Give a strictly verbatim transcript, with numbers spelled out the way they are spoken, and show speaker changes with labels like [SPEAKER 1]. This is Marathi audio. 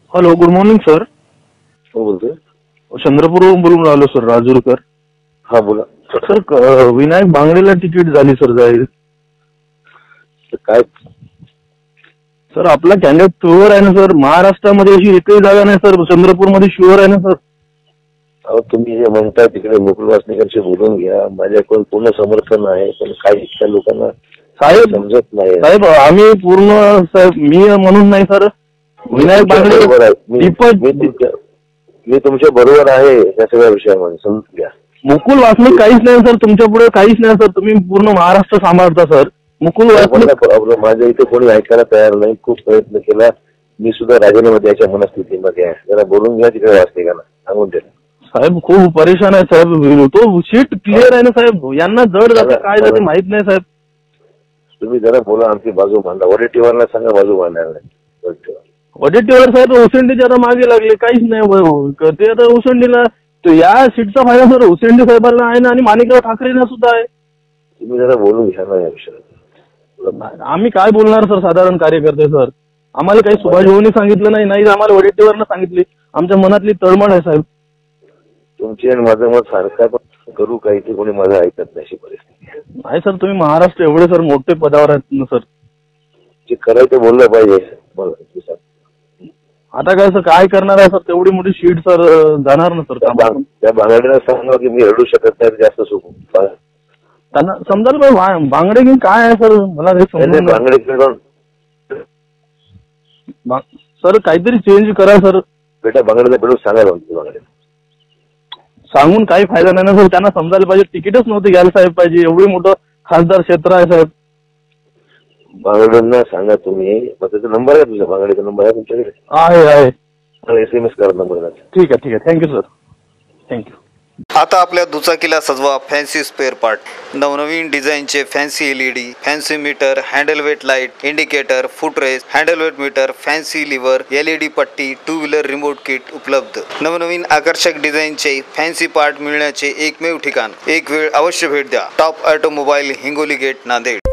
[SPEAKER 1] Hello, good morning sir.
[SPEAKER 2] हो बोलतोय.
[SPEAKER 1] चंद्रपूरवरून बोलून राहिलो सर, राजूरकर.
[SPEAKER 2] हा बोला
[SPEAKER 1] सर, क- विनायक बांगडेला तिकीट झाली सर जाहीर.
[SPEAKER 2] तर काय
[SPEAKER 1] सर आपला कॅन्डिडेट शुअर आहे ना सर? महाराष्ट्रामध्ये अशी एकही जागा नाही सर, चंद्रपूरमध्ये शुअर आहे ना सर?
[SPEAKER 2] अहो तुम्ही जे म्हणता तिकडे मुकुल वासनिकांशी बोलून घ्या. माझ्याकडून पूर्ण समर्थन आहे, पण काही इथल्या लोकांना
[SPEAKER 1] साहेब
[SPEAKER 2] समजत नाही.
[SPEAKER 1] साहेब आम्ही पूर्ण साहेब, मी म्हणून नाही सर, विनायक बांगडे
[SPEAKER 2] बरोबर आहे. मी
[SPEAKER 1] दीपक
[SPEAKER 2] मी तुमच्या मी तुमच्या बरोबर आहे या सगळ्या विषयामध्ये, समजून घ्या.
[SPEAKER 1] मुकुल वासनिक काहीच नाही सर, तुमच्या पुढे काहीच नाही सर. तुम्ही पूर्ण महाराष्ट्र सांभाळता सर. मुकुल वासनिक
[SPEAKER 2] प्रॉब्लेम माझ्या इथे कोणी ऐकायला तयार नाही. खूप प्रयत्न केला. मी सुद्धा राजीनामा द्यायच्या मनस्थितीमध्ये आहे. जरा बोलून घ्या तिकडे वासनिकांना, सांगून द्या.
[SPEAKER 1] साहेब खूप परेशान आहे साहेब. तो सीट क्लिअर आहे ना साहेब, यांना जड जाते काय जाते माहित नाही साहेब.
[SPEAKER 2] तुम्ही जरा बोला, आमची बाजू मांडा. वडेट्टीवारला सांगा बाजू मांडायला नाही.
[SPEAKER 1] वडेट्टीवार साहेब उसंडीच्या आता मागे लागले, काहीच नाही ते आता उसंडीला. तो या सीटचा फायदा सर उसंडी साहेबांना आहे ना, आणि माणिकराव ठाकरेंना सुद्धा आहे.
[SPEAKER 2] तुम्ही जरा बोलून घ्या ना या विषयात.
[SPEAKER 1] आम्ही काय बोलणार सर, साधारण कार्यकर्ते सर. आम्हाला काही सुभाष भाऊनी सांगितलं नाही, नाही आम्हाला वडेट्टीवारनं सांगितली. आमच्या मनातली तळमळ आहे साहेब.
[SPEAKER 2] तुमची आणि माझं मत सारखं, पण करू काही ते कोणी माझं ऐकत नाही अशी परिस्थिती.
[SPEAKER 1] नाही सर, तुम्ही महाराष्ट्र एवढे सर मोठे पदावर आहेत ना सर.
[SPEAKER 2] जे करायचं बोललं पाहिजे मला.
[SPEAKER 1] आता काय सर, काय करणार आहे सर? तेवढी मोठी सीट सर जाणार ना सर.
[SPEAKER 2] त्या बांगड्याला सांगा की मी रडू शकत नाही, जास्त सुख
[SPEAKER 1] त्यांना समजायला पाहिजे बांगडे की काय आहे सर. मला
[SPEAKER 2] बांगडे
[SPEAKER 1] सर काहीतरी चेंज करा सर.
[SPEAKER 2] बेटा बांगड्याला भेटून सांगायला बांगडे
[SPEAKER 1] सांगून काही फायदा नाही ना सर. त्यांना समजायला पाहिजे तिकीटच नव्हते घ्यायला साहेब पाहिजे. एवढी मोठं खासदार क्षेत्र आहे साहेब.
[SPEAKER 2] बांगड्यांना सांगा तुम्ही. मग त्याचा नंबर आहे तुझ्या बांगड्याचा नंबर आहे तुमच्याकडे?
[SPEAKER 1] आहे आहे.
[SPEAKER 2] एस एम एस करा नंबर.
[SPEAKER 1] ठीक आहे ठीक आहे. Thank you sir, thank you.
[SPEAKER 3] आता आपल्या दुचाकीला सजवा फॅन्सी स्पेअर पार्ट. नवनवीन डिझाईनचे fancy LED, fancy meter, handle weight light, indicator, footrest, handle weight meter, fancy lever, LED पट्टी, टू व्हीलर रिमोट किट उपलब्ध. नवनवीन आकर्षक डिझाईनचे फॅन्सी पार्ट मिळण्याचे एकमेव ठिकाण. एक वेळ अवश्य भेट द्या. Top automobile, Hingoli gate, Nanded.